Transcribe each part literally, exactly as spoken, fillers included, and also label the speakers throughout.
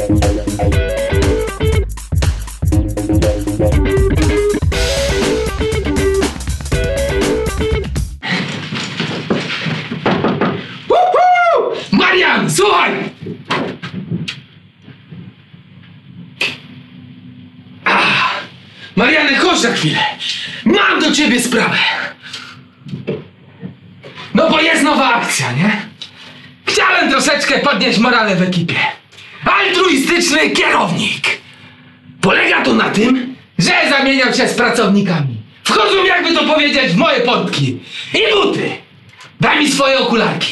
Speaker 1: Uhu! Marian, słuchaj! Ah, Mariany, chodź na chwilę. Mam do ciebie sprawę. No bo jest nowa akcja, nie? Chciałem troszeczkę podnieść morale w ekipie. Altruistyczny kierownik. Polega to na tym, że zamieniał się z pracownikami. Wchodzą, jakby to powiedzieć, w moje portki i buty. Daj mi swoje okularki.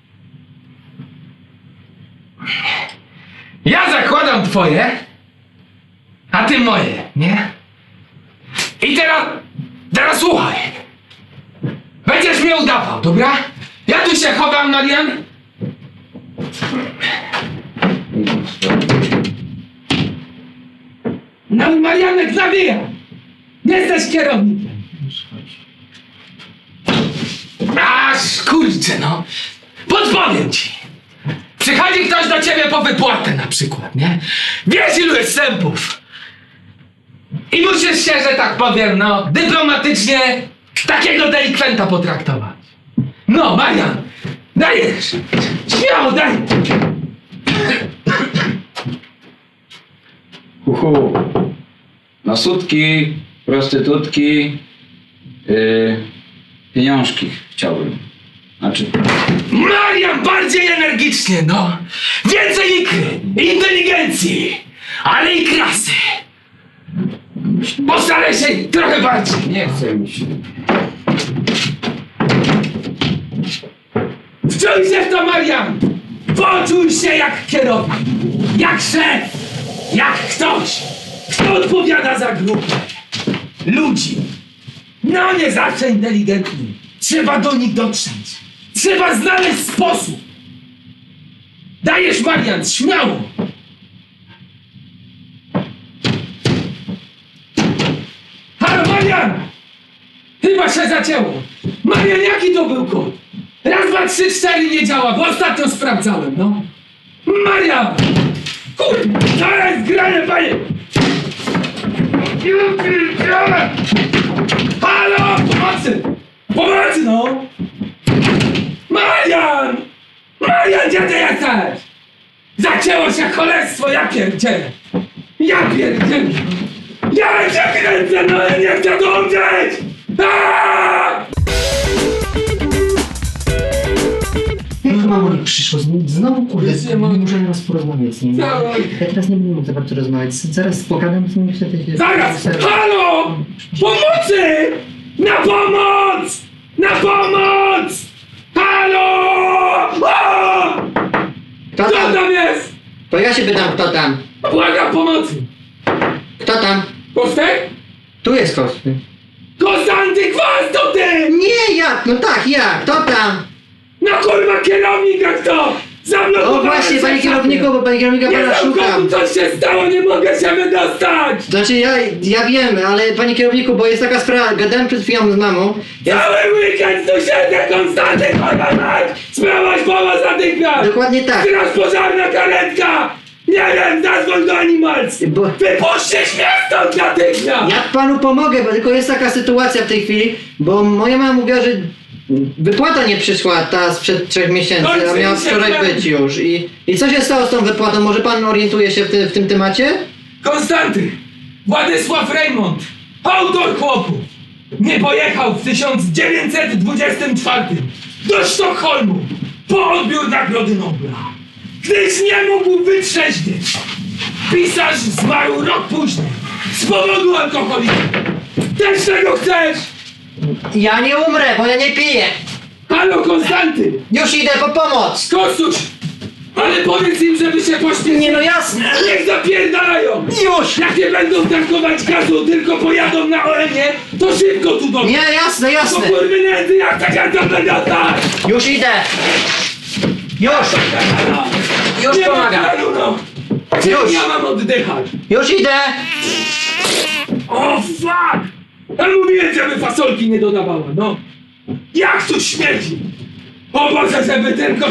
Speaker 1: Ja zakładam twoje, a ty moje, nie? I teraz, teraz słuchaj. Będziesz mnie udawał, dobra? Ja tu się chowam, Marian. No, Marianek, zawija. Jesteś kierownikiem. Aż kurczę, no. Podpowiem ci. Przychodzi ktoś do ciebie po wypłatę na przykład, nie? Wiesz, ilu jest sępów. I musisz się, że tak powiem, no, dyplomatycznie takiego delikwenta potraktować. No, Marian, dajesz. Śmiało, daj.
Speaker 2: Uhu. Na sutki, prostytutki, yy, pieniążki chciałbym. Znaczy...
Speaker 1: Marian, bardziej energicznie, no. Więcej ikry, inteligencji, ale i krasy. Postaraj się trochę bardziej.
Speaker 2: Nie chce mi się.
Speaker 1: Wczuj się w to, Marian! Poczuj się jak kierownik, jak szef, jak ktoś, kto odpowiada za grupę ludzi. No nie zawsze inteligentni. Trzeba do nich dotrzeć. Trzeba znaleźć sposób. Dajesz, Marian, śmiało. Halo, Marian! Chyba się zacięło. Marian, jaki to był kod? Raz, dwa, trzy, cztery nie działa, bo ostatnio sprawdzałem, no. Marian! Kurde, zaraz granie, panie! Ja pierdzielę! Halo! Pomocy! Pomocy, no! Marian! Marian, gdzie ty jesteś? Zacięło się cholerstwo, ja pierdzielę! Ja pierdzielę! Ja cię kręcę, no ja nie chcę tu umrzeć! Aaaa!
Speaker 3: Jak to mamo nie przyszło? Znowu kurde, nie muszę teraz porozmawiać z nim. Ja teraz nie będę mógł za bardzo rozmawiać. Zaraz pogadam z nim i wtedy się...
Speaker 1: Zaraz! Halo! Pomocy! Na pomoc! Na pomoc! Halo! O!
Speaker 3: Kto
Speaker 1: Kto
Speaker 3: tam?
Speaker 1: tam jest?
Speaker 3: To ja się pytam, kto tam?
Speaker 1: Błagam pomocy!
Speaker 3: Kto tam?
Speaker 1: Kostek?
Speaker 3: Tu jest Kosty.
Speaker 1: Konstanty Kwas, to ty!
Speaker 3: Nie, ja! No tak, ja! Kto tam?
Speaker 1: No kurwa, kierownika kto? Zablokowałem
Speaker 3: O właśnie,
Speaker 1: się
Speaker 3: panie
Speaker 1: w
Speaker 3: kierowniku, bo panie kierownika
Speaker 1: Nie
Speaker 3: pana
Speaker 1: znam
Speaker 3: szukam.
Speaker 1: komu, coś się stało, nie mogę się wydostać!
Speaker 3: Znaczy ja, ja wiem, ale panie kierowniku, bo jest taka sprawa, gadałem przed chwilą z mamą. Ja...
Speaker 1: Cały weekend tu siedzę, Konstanty, kurwa mać! Sprawaś pomoc natychmiast!
Speaker 3: Dokładnie tak.
Speaker 1: Straż pożarna, karetka! Nie wiem, zadzwoń do Animals!
Speaker 3: Bo...
Speaker 1: Wypuśćcie mnie stąd natychmiast!
Speaker 3: Ja panu pomogę, bo tylko jest taka sytuacja w tej chwili, bo moja mama mówiła, że wypłata nie przyszła ta sprzed trzech miesięcy,
Speaker 1: Kończy
Speaker 3: a miała
Speaker 1: się
Speaker 3: wczoraj
Speaker 1: ten.
Speaker 3: być już. I, I co się stało z tą wypłatą? Może pan orientuje się w, ty, w tym temacie?
Speaker 1: Konstanty! Władysław Reymont, autor chłopów, nie pojechał w tysiąc dziewięćset dwudziestym czwartym do Sztokholmu po odbiór Nagrody Nobla, gdyż nie mógł wytrzeźwieć. Pisarz zmarł rok później z powodu alkoholizmu. Też tego chcesz?
Speaker 3: Ja nie umrę, bo ja nie piję.
Speaker 1: Halo, Konstanty!
Speaker 3: Już idę po pomoc.
Speaker 1: Kostuś! Ale powiedz im, żeby się pośpieszyli!
Speaker 3: Nie no jasne.
Speaker 1: Niech zapierdalają!
Speaker 3: Już.
Speaker 1: Jak nie będą tankować gazu, tylko pojadą na O M-ie, to szybko tu do mnie!
Speaker 3: Nie, jasne,
Speaker 1: Po
Speaker 3: jasne.
Speaker 1: kurwy nędzy, jak tak jak to będę tak!
Speaker 3: Już idę. Już. Już
Speaker 1: Nie ma
Speaker 3: pomagam.
Speaker 1: planu, no!
Speaker 3: Już.
Speaker 1: Ja mam oddychać!
Speaker 3: Już idę.
Speaker 1: O fuck! Ja mówiłem, żeby fasolki nie dodawała, no! Jak tu śmierdzi! O Boże, żeby tylko